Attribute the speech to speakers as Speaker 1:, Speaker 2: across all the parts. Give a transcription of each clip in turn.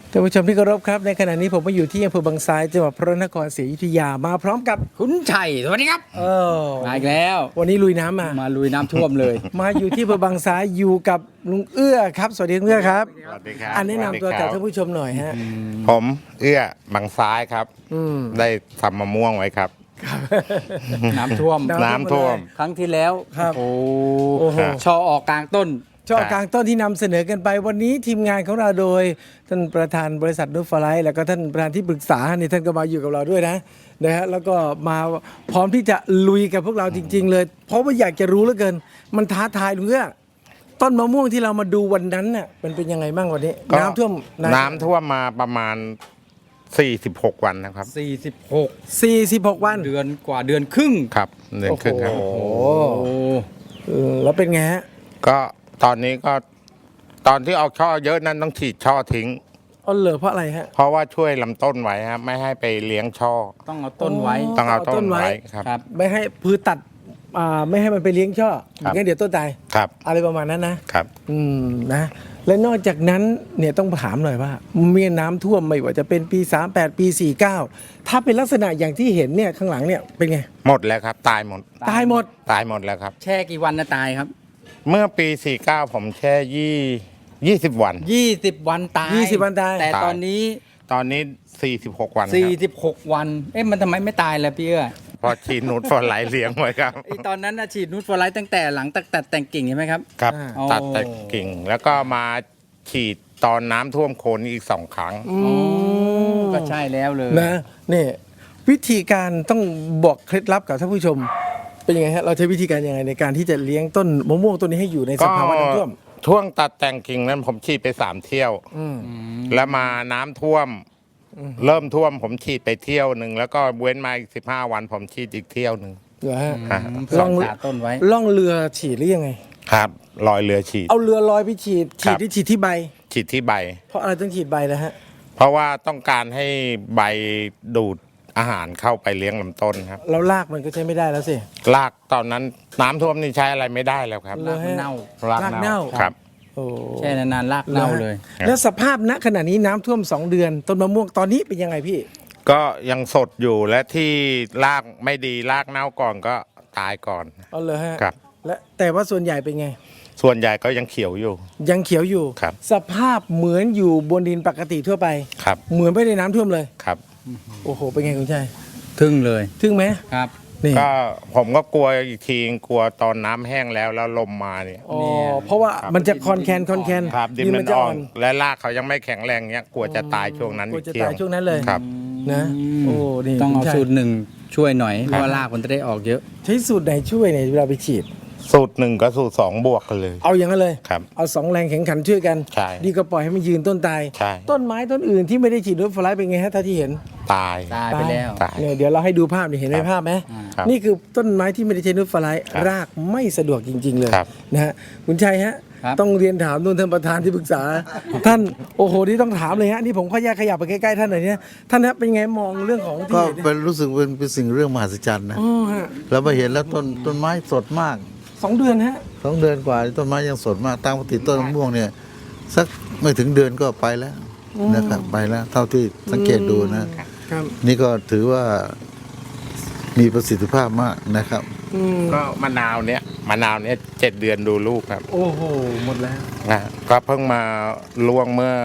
Speaker 1: ท่านผู้ชมที่เคารพครับในขณะนี้ผมมาอยู่ที่อำเภอบางซ้ายจังหวัดพระนครศรีอยุธยามาพร้อมกับ
Speaker 2: คุณชัยสวัสดีครับมาอีกแล้ว
Speaker 1: วันนี้ลุยน้ำมา
Speaker 2: ลุยน้ำท่วมเลย
Speaker 1: มาอยู่ที่อำเภอบางซ้ายอยู่กับลุงเอื้อครับสวัสดีลุงเอื้อครับ
Speaker 3: สวัสดีครับ
Speaker 1: อันแนะนำตัวกับท่านผู้ชมหน่อยฮะ
Speaker 3: ผมเอื้อบางซ้ายครับ ได้ทำมะม่วงไว้ครับ
Speaker 2: น้ำท่วม
Speaker 3: น้ำท่วม
Speaker 2: ครั้งที่แล้ว
Speaker 1: ครับ
Speaker 2: โอ้
Speaker 1: โอ้โห
Speaker 2: ชอออกกลางต้น
Speaker 1: ช่อกลางต้นที่นำเสนอกันไปวันนี้ทีมงานของเราโดยท่านประธานบริษัทนูตฟลายแล้วก็ท่านประธานที่ปรึกษานี่ท่านก็มาอยู่กับเราด้วยนะฮะแล้วก็มาพร้อมที่จะลุยกับพวกเราจริง ๆ เลย เพราะว่าอยากจะรู้เหลือเกิน มันท้าทายลุงเอื้อต้นมะม่วงที่เรามาดูวันนั้นน่ะมันเป็นยังไงบ้างวันนี้
Speaker 3: ก็
Speaker 1: น้ำท่วม
Speaker 3: น้ำท่วมมาประมาณ 46 วันนะครับ
Speaker 1: 46 วัน
Speaker 2: เดือนกว่าเดือนครึ่ง
Speaker 3: ครับเดือนครึ่งครับ
Speaker 1: โอ้โห
Speaker 2: โอ้
Speaker 1: แล้วเป็นไงฮะ
Speaker 3: ก็ตอนนี้ก็ตอนที่เอาช่อเยอะนั้นต้องฉีดช่อทิ้ง
Speaker 1: อ๋อเหรอเพราะอะไรฮะ
Speaker 3: เพราะว่าช่วยลำต้นไว้ครับไม่ให้ไปเลี้ยงช่อ
Speaker 2: ต้องเอาต้นไว้
Speaker 3: ต้องเอาต้
Speaker 1: ต้
Speaker 3: น
Speaker 1: นไว้
Speaker 3: ไว้ครับ
Speaker 2: ครับ
Speaker 1: ไม่ให้พืชตัดไม่ให้มันไปเลี้ยงช่อ
Speaker 3: ครับ
Speaker 1: งั้นเดี๋ยวต้นตาย
Speaker 3: ครับ
Speaker 1: อะไรประมาณนั้นนะครับ นะและนอกจากนั้นเนี่ยต้องถามหน่อยว่าเมื่อน้ำท่วมไม่ว่าจะเป็นปี38ปี49ถ้าเป็นลักษณะอย่างที่เห็นเนี่ยข้างหลังเนี่ยเป็นไง
Speaker 3: หมดแล้วครับ ตายหมด
Speaker 1: ตายหมด
Speaker 3: ตายหมดแล้วครับ
Speaker 2: แช่กี่วันนะตายครับ
Speaker 3: เมื่อปี 49 ผมแช่20 วัน
Speaker 2: 20 วันตาย
Speaker 1: 20 วันตาย
Speaker 2: แต่ตอนนี้
Speaker 3: ตอนนี้ 46 วันครับ
Speaker 2: 46 วัน เอ๊ะมันทำไมไม่ตายล่ะพี่เอื้อ
Speaker 3: พอฉีดนูตฟอร์ไลท์เลี้ยงไว้ครับ
Speaker 2: ไอตอนนั้นนะฉีดนูตฟลายตั้งแต่หลังตัดแต่งกิ่งใช่ไหมครับ
Speaker 3: ครับ
Speaker 2: อ๋อ
Speaker 3: ตัดแต่กิ่งแล้วก็มาฉีดตอนน้ำท่วมโคนอีก2 ครั้ง
Speaker 2: ก็ใช่แล้วเลย
Speaker 1: นะนี่วิธีการต้องบอกเคล็ดลับกับท่านผู้ชม เป็นยังไงฮะเราใช้วิธีการยังไงในการที่จะเลี้ยงต้นมะม่วงต้นนี้ให้อยู่ในสภาวะน้ำท่วม
Speaker 3: ช่วงตัดแต่งกิ่งนั้นผมฉีดไป3 เที่ยว แล้วมาน้ำท่วม เริ่มท่วมผมฉีดไปเที่ยวหนึ่งแล้วก็เว้นมาอีก15 วันผมฉีดอีกเที่ยวหนึ่ง
Speaker 1: เหรอฮะ
Speaker 2: เพื่อรักษาต้นไว้
Speaker 1: ล่องเรือฉีดหรือยังไง
Speaker 3: ครับลอยเรือฉีด
Speaker 1: เอาเรือลอยไปฉีด
Speaker 3: ครับ
Speaker 1: ฉีดที่ใบ
Speaker 3: ฉีดที่ใบ
Speaker 1: เพราะอะไรต้องฉีดใบนะฮะ
Speaker 3: เพราะว่าต้องการให้ใบดูดอาหารเข้าไปเลี้ยงลำต้นครับ
Speaker 1: เราลากมันก็ใช้ไม่ได้แล้วสิ
Speaker 3: รากตอนนั้นน้ำท่วมนี่ใช้อะไรไม่ได้แล้วครับ
Speaker 1: เหรอฮะ
Speaker 2: เน่า
Speaker 3: ราก
Speaker 1: รากเน่า
Speaker 3: ครับ
Speaker 1: โอ้
Speaker 2: แช่นานๆรากเน่าเลย
Speaker 1: แล้วสภาพณขณะนี้น้ำท่วม2 เดือน ต้นมะม่วงตอนนี้เป็นยังไงพี่
Speaker 3: ก็ยังสดอยู่และที่รากไม่ดีรากเน่าก่อนก็ตายก่อน
Speaker 1: เอาเลยฮะ
Speaker 3: ครับ
Speaker 1: และแต่ว่าส่วนใหญ่เป็นไง
Speaker 3: ส่วนใหญ่ก็ยังเขียวอยู่
Speaker 1: ยังเขียวอยู่
Speaker 3: ครับ
Speaker 1: สภาพเหมือนอยู่บนดินปกติทั่วไป
Speaker 3: ครับ
Speaker 1: เหมือนไม่ได้น้ำท่วมเลย
Speaker 3: ครับ
Speaker 1: โอ้โหเป็นไงคุณชัย
Speaker 2: ทึ่งเลย
Speaker 1: ทึ่งไหม
Speaker 2: ครับ
Speaker 1: นี่
Speaker 3: ก็ผมก็กลัวอีกทีกลัวตอนน้ำแห้งแล้วลมมาเนี่ย
Speaker 1: อ๋อเพราะว่ามันจะคอนแคน
Speaker 3: ครับดินมัน
Speaker 1: จะ
Speaker 3: อ่อนและรากเขายังไม่แข็งแรงเนี้ยกลัวจะตายช่วงนั้น
Speaker 1: กลั
Speaker 3: อี
Speaker 1: ว
Speaker 3: ก
Speaker 1: จะ
Speaker 3: เที่ย
Speaker 1: ตา
Speaker 3: วย
Speaker 1: ช่วงนั้นเลย
Speaker 3: ครับ
Speaker 1: นะโอ้นี่
Speaker 2: ต้องเอา
Speaker 1: คุณชัย
Speaker 2: สูตรหนึ่งช่วยหน่อย เพราะว่ารากมันจะได้ออกเยอะ
Speaker 1: ใช้สูตรไหนช่วยเนี่ยเวลาไปฉีด
Speaker 3: สูตร1กับสูตร2บวกกันเลย
Speaker 1: เอาอย่างนั้นเลย
Speaker 3: ครับ
Speaker 1: เอา2 แรงแข่งขันช่วยกัน
Speaker 3: ใช่
Speaker 1: ดีก็ปล่อยให้มันยืนต้นตาย
Speaker 3: ใช่
Speaker 1: ต้นไม้ต้นอื่นที่ไม่ได้ฉีดนูตฟลายเป็นไงฮะถ้าที่เห็น
Speaker 3: ตาย
Speaker 2: ตายไปแล้ว
Speaker 3: ตาย
Speaker 1: เนี่ยเดี๋ยวเราให้ดูภาพนี่เห็นไหม
Speaker 3: ครับ
Speaker 1: ภาพไหม
Speaker 3: ครับ
Speaker 1: นี่คือต้นไม้ที่ไม่ได้ใช้นูตฟลาย
Speaker 3: ครับ
Speaker 1: รากไม่สะดวกจริง ๆ เลย
Speaker 3: ครับ
Speaker 1: นะฮะคุณชัยฮะ
Speaker 2: ครับ
Speaker 1: ต้องเรียนถามนู่นท่านประธานที่ปรึกษา ท่านโอ้โหที่ต้องถามเลยฮะนี่ผมขอขยับไปใกล้ๆท่านหน่อยเนี่ยท่านฮะเป็นไงมองเรื่องของที่
Speaker 4: ก็
Speaker 1: เห็นเนี่ย
Speaker 4: เป็นรู้สึกเป็นสิ่งเรื่องมหัศจรรย์นะ
Speaker 1: อ๋อฮะ
Speaker 4: เราไปเห็นแล้วต้นไม้สดมาก
Speaker 1: 2 เดือนฮะ
Speaker 4: 2 เดือนกว่าต้นไม้ยังสดมากตามปกติต้นมะม่วงเนี่ยสักไม่ถึงเดือนก็ไปแล้วนะครับไปแล้ว เท่าที่สังเกตดูนะ
Speaker 1: ครับ
Speaker 4: นี่ก็ถือว่ามีประสิทธิภาพมากนะครับ
Speaker 1: อืม
Speaker 3: ก็มะนาวเนี้ย7 เดือนดูลูกครับ
Speaker 1: โอ้โหหมดแล้ว
Speaker 3: นะก็เพิ่งมาล่วงเมื่อ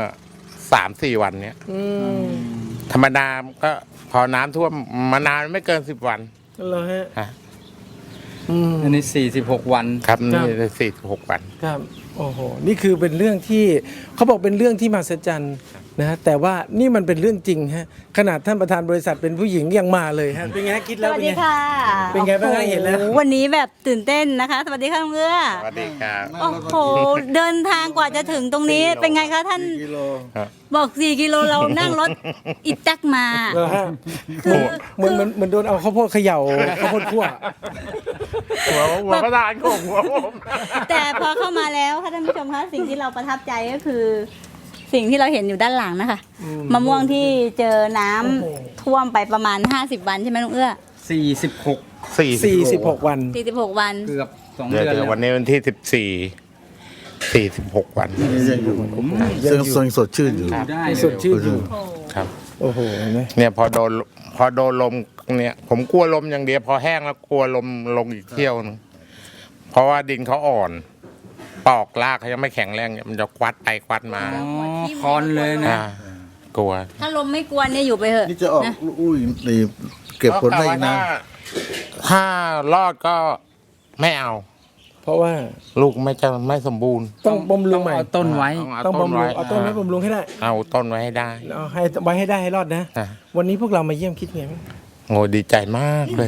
Speaker 3: 3-4 วันเนี้ย
Speaker 1: อืม
Speaker 3: ธรรมดาก็พอน้ำท่วมมะนาวไม่เกิน10 วัน
Speaker 1: เหรอฮะ
Speaker 3: ฮะ
Speaker 1: อืม
Speaker 2: อันนี้46 วัน
Speaker 3: ครับ
Speaker 1: ครั
Speaker 3: นี่
Speaker 1: บ
Speaker 3: 46 วัน
Speaker 1: ครับโอ้โหนี่คือเป็นเรื่องที่เขาบอกเป็นเรื่องที่มหัศจรรย์นะฮะแต่ว่านี่มันเป็นเรื่องจริงฮะขนาดท่านประธานบริษัทเป็นผู้หญิงยังมาเลยฮะเป็นไงฮะคิด
Speaker 5: ส
Speaker 1: แล้ว
Speaker 5: วัส
Speaker 1: เป็น
Speaker 5: ดี
Speaker 1: ไง
Speaker 5: ค่ะ
Speaker 1: เป็นไงบ้างคะเห็นแล้ว
Speaker 5: โอ้โวันนี้แบบตื่นเต้นนะคะ สวัสดีค่ะลุงเอื้อ
Speaker 3: สวัสดีครับ
Speaker 5: โอ้โห เดินทางกว่าจะถึงตรงนี้ เป็นไงคะท่าน
Speaker 4: กิโล
Speaker 5: บอก 4 กิโลเรานั่งรถอีแท็กมา
Speaker 1: เหรอฮะ
Speaker 5: คือ
Speaker 1: เหมือนโดนเอาข้าวโพดเขย่าข้าวโพดคั่ว
Speaker 3: หัวประธานของหัวผม
Speaker 5: แต่พอเข้ามาแล้วค่ะท่านผู้ชมคะสิ่งที่เราประทับใจก็คือ สิ่งที่เราเห็นอยู่ด้านหลังนะคะมะม่วงที่เจอน้ำท่วมไปประมาณ 50 วันใช่ไหมลุงเอื้อ
Speaker 2: 46
Speaker 1: 46 วัน
Speaker 5: 46 วัน
Speaker 2: เกือบ2
Speaker 3: เดี๋ยว
Speaker 2: เดือน
Speaker 3: เดี๋ยว
Speaker 2: แล้ว
Speaker 3: วันนี้วันที่ 46 วัน
Speaker 4: ยังอยู่ยังสดชื่นอยู่
Speaker 2: ได้
Speaker 1: สดชื่นอยู่
Speaker 3: ครับ
Speaker 1: โอ้โหเห็นไหม
Speaker 3: เนี่ยพอโดนลมเนี่ยผมกลัวลมอย่างเดียวพอแห้งแล้วกลัวลมลงอีกเที่ยวนึงเพราะว่าดินเขาอ่อนปอกรากเขายังไม่แข็งแรงเนี่ยมันจะควัดไปควัดมา
Speaker 2: อ๋อคอนเลยนะ
Speaker 3: กลัว
Speaker 5: ถ้าลมไม่กวนเนี่ยอยู่ไปเถอะ
Speaker 4: นี่จะออก
Speaker 5: นะ
Speaker 4: อุ้ยนี่เก็บผลได้อีกนะ
Speaker 3: ถ้ารอดก็ไม่เอา
Speaker 1: เพราะว่า
Speaker 3: ลูกไม่สมบูรณ์
Speaker 1: ต้องบำรุงใหม่
Speaker 2: เอาต้นไว้
Speaker 1: ต้องบำรุงเอาต้นไว้บำรุงให้ได้
Speaker 3: เอาต้นไว้ให้ได้
Speaker 1: เอาให้ไว้ให้ได้ให้รอดนะ
Speaker 3: อ่ะ
Speaker 1: วันนี้พวกเรามาเยี่ยมคิดไงบ้าง
Speaker 3: โง่ดีใจมากเลย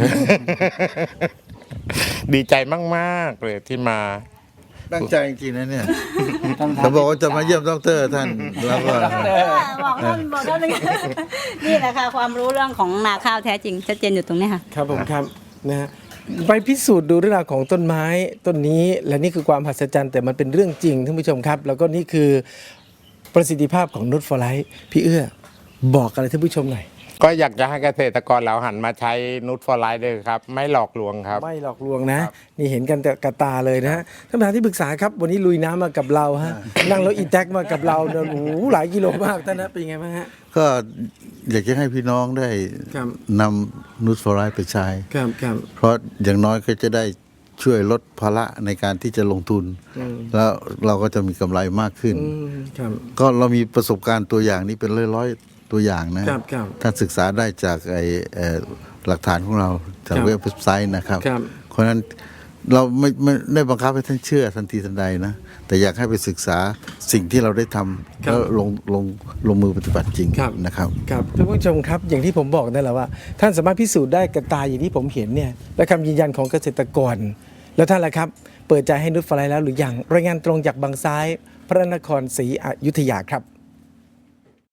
Speaker 3: ดีใจมากๆเลยที่มา
Speaker 4: ตั้งใจจริงๆนะเนี่ยเขาบอกว่าจะมาเยี่ยมดรท่านแล้วก็
Speaker 5: บอกท่านนี่แหละค่ะความรู้เรื่องของนาข้าวแท้จริงชัดเจนอยู่ตรงนี้ค่ะ
Speaker 1: ครับผมครับนะฮะไปพิสูจน์ดูเรื่องราวของต้นไม้ต้นนี้และนี่คือความมหัศจรรย์แต่มันเป็นเรื่องจริงท่านผู้ชมครับ แล้วก็นี่คือประสิทธิภาพของนุชฟอร์ไลท์พี่เอื้อบอกอะไรท่านผู้ชมหน่อย
Speaker 3: ก็อยากจะให้เกษตรกรเราหันมาใช้นูตฟอร์ไลท์ด้วยครับ ไม่หลอกลวงครับ
Speaker 1: ไม่หลอกลวงนะ นี่เห็นกันแต่กระตาเลยนะฮะท่านประธานที่ปรึกษาครับวันนี้ลุยน้ำมากับเราฮะนั่งรถอีแท็กมากับเราเนี่ยโอ้โหหลายกิโลมากท่านนะเป็นไงบ้างฮะ
Speaker 4: ก็อยากจะให้พี่น้องได้
Speaker 1: ครับ
Speaker 4: นำนูตฟอร์ไลท์ไปใช้
Speaker 1: ครับครับ
Speaker 4: เพราะอย่างน้อยก็จะได้ช่วยลดภาระในการที่จะลงทุน แล้วเราก็จะมีกำไรมากขึ้น
Speaker 1: ครับ
Speaker 4: ก็เรามีประสบการณ์ตัวอย่างนี้เป็นร้อยๆตัวอย่างนะครับ
Speaker 1: ครับ
Speaker 4: ท่านศึกษาได้จากหลักฐานของเราจาก
Speaker 1: ครับ
Speaker 4: เว็บไซต์นะครับ
Speaker 1: ครับ
Speaker 4: เพราะฉะนั้นเราไม่ได้บังคับให้ท่านเชื่อทันทีทันใดนะแต่อยากให้ไปศึกษาสิ่งที่เราได้ทำแล้วลงมือปฏิบัติจริง
Speaker 1: ครับ
Speaker 4: นะครับ
Speaker 1: ครับท่านผู้ชมครับอย่างที่ผมบอกนั่นแหละว่า ท่านสามารถพิสูจน์ได้กับตาอย่างที่ผมเห็นเนี่ยและคำยืนยันของเกษตรกร แล้วท่านล่ะครับ เปิดใจให้นุชฟอร์ไลท์แล้วหรือยังรายงานตรงจากบางซ้าย พระนครศรีอยุธยาครับ